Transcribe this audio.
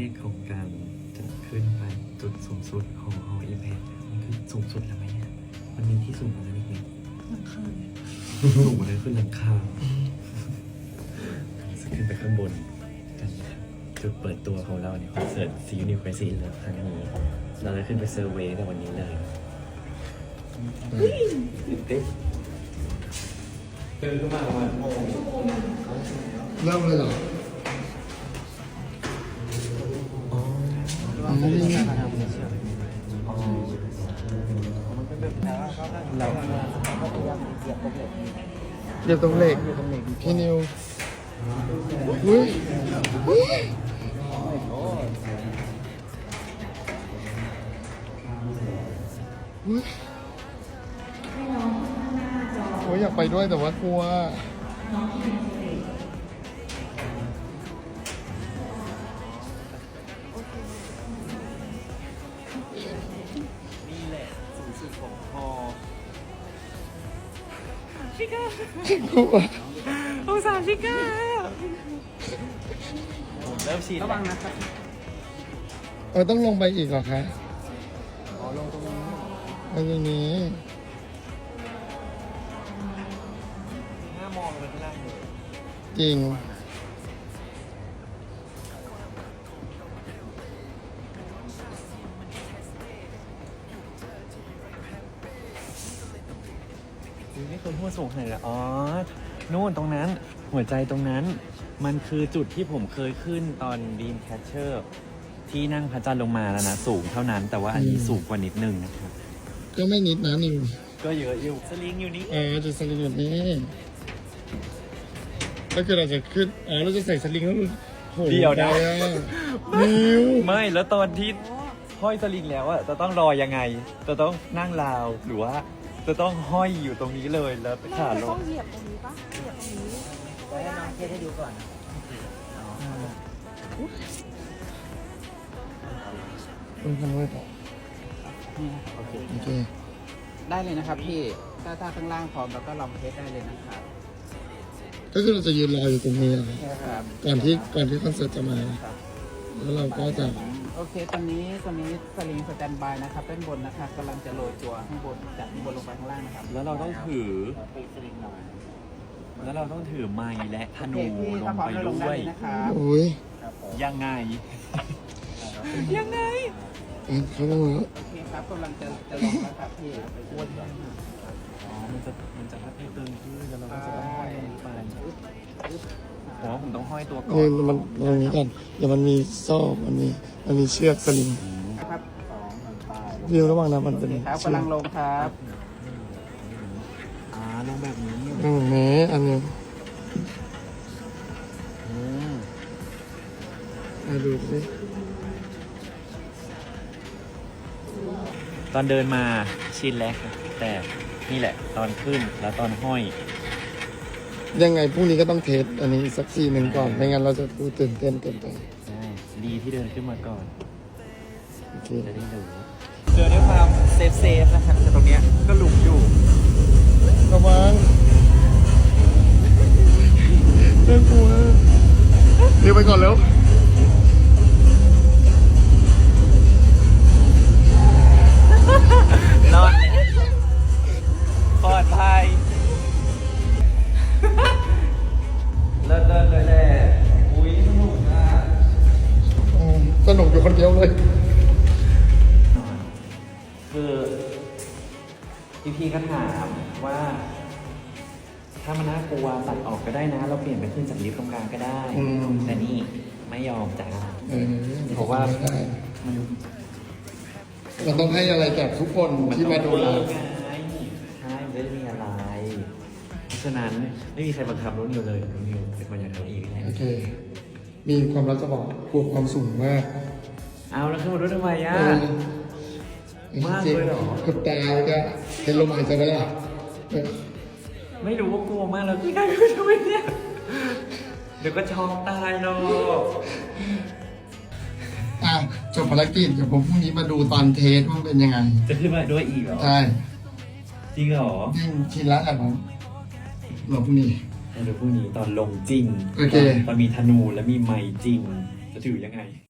กของการจะขึ้นไปจุดสูงสุดของหออีแพคมันคือสูงสุดแล้วไหมเนี่ยมันมีที่สูงกว่านั้นอีกไหมหลังคาสูงกว่านั้นขึ้นหลังคาจะขึ้นไปข้างบนกันนะครับจุดเปิดตัวของเราในคอนเสิร์ตซีนิวเครซีเลิฟครั้งนี้เราจะขึ้นไปเซอร์เวย์ในวันนี้เลยตื่นเต้นเดินขึ้นมาประมาณเริ่มเลยเหรออ๋อนี่ไงเรียบตรงเหล็กพี่นิวอุ้ยอุ้ยอุ้ยโอ้ยอยากไปด้วยแต่ว่ากลัวนี่แหละสูงสุดของฮอชิก้ากลัวองศาชิก้าเริ่มชินระวังนะครับต้องลงไปอีกเหรอคะอ๋อลงตรงนี้ไปตรงนี้หน้ามองไปข้างล่างเลยจริงนี่คือหัวสูงขนาดไหนอ๋อนู่นตรงนั้นหัวใจตรงนั้น มันคือจุดที่ผมเคยขึ้นตอนบีมแคชเชอร์ที่นั่งพระจันทร์ลงมาแล้วนะสูงเท่านั้น แต่ว่าอันนี้สูงกว่านิดนึงนะครับก็ไม่นิดนะนิวก็เยอะอยู่สลิงอยู่นี่จะสลิงแบบนี้ก็คือเราจะขึ้นเราจะใส่สลิงแล้วโหเดี๋ยวนะไปนิวไม่แล้วตอนที่ห้อยสลิงแล้วอะจะต้องรอยังไง จะต้องนั่งราวหรือว่าจะต้องห้อยอยู่ตรงนี้เลยแล้วขาเราลต้อง งเหยียบตรงนี้ปะเหยียบตรงนี้เดี๋ยวให้น้องเทสให้ดูก่อนต้องทำด้วยต่อโอเคโอเคได้เลยนะครับพี่ ถ้าข้างล่างพร้อมแล้วก็ลองเทสได้เลยนะครับก็คือเราจะยืนรออยู่ตรงนี้เหรอครับก่อนที่คอนเสิร์ตจะมา แล้วเราก็จะโอเคตอนนี้สลิงสแตนบายนะครับด้านบนนะครับกำลังจะโรยตัวข้างบนจากข้างบนลงไปข้างล่างนะครับแล้วเราต้องถือปีสลิงหน่อยแล้วเราต้องถือไม้และธโอนูเคพี่ลถ้าง พร้อมไปแล้วลงด้ได้วยเลยนะครับโอ้ยยังไง ยังไงเขาลงแล้วโอเคครับกำลังจะลงแล้วครับพี่อ้วนอ๋อ มันจะพัดให้ตึงขึ้นแล้วเราก็จะต้องห้อยลงไปผมว่าผมต้องห้อยตัวก่อนี่นมันตรงนี้กันเดี๋ยวมันมีโซ่มันมีเชือกสลิงครับวิวระหว่างนั้นมันโอเป็นเคครับเชือกกำลังลงครับลงแบบนี้แม้อันนี้อืมดูสิตอนเดินมาชินแล้วครับแต่นี่แหละ ตอนขึ้นแล้วตอนห้อยยังไงพรุ่งนี้ก็ต้องเทสอันนี้สักทีหนึ่งก่อนไม่งั้นเราจะดูตื่นเต้นเกินไปใช่ ดีที่เดินขึ้นมาก่อนโอเคจะได้รู้เจอด้วยความเซฟนะครับแต่ตรงเนี้ยก็หลุมอยู่ระวังเจ้ากลัวเดี๋ยวไปก่อนแล้วนอนปลอดภัยเลิศเลยแหละอุ้ยสนุกอ่ะสนุกอยู่คนเดียวเลยคือพี่ก็ถามว่า ถ้ามันน่ากลัวตัดออกก็ได้นะ เราเปลี่ยนไปขึ้นจากลิฟต์ตรงกลางก็ได้ แต่นี่ไม่ยอมจ้าเพราะว่ามันเราต้องให้อะไรจากทุกคนที่มาดูเราไงใช่ไม่ได้มีอะไร เพราะฉะนั้นไม่มีใครบังคับน้องนิวเลยน้องนิวเป็นคนอยากทำเองแหละโอเค มีความรักจะบอกกลัวความสูงมากเอาแล้วขึ้นมาด้วยทำไมอ่ะ มากเลยเหรอกับตาจะเห็นลมหายใจไหมล่ะไม่รู้ว่ากลัวมากแล้วพี่กายไม่ทำไมเนี่ยเดี๋ยวก็ช็อกตายหรอกจบภารกิจเดี๋ยวผมพรุ่งนี้มาดูตอนเทสว่ามันเป็นยังไงจะขึ้นมาด้วยอีกเหรอใช่จริงเหรอยิ่งทีละอ่ะผมเราพรุ่งนี้เดี๋ยวพรุ่งนี้ตอนลงจริงโอเคตอนมีธนูและมีไม้จริง จะถือยังไง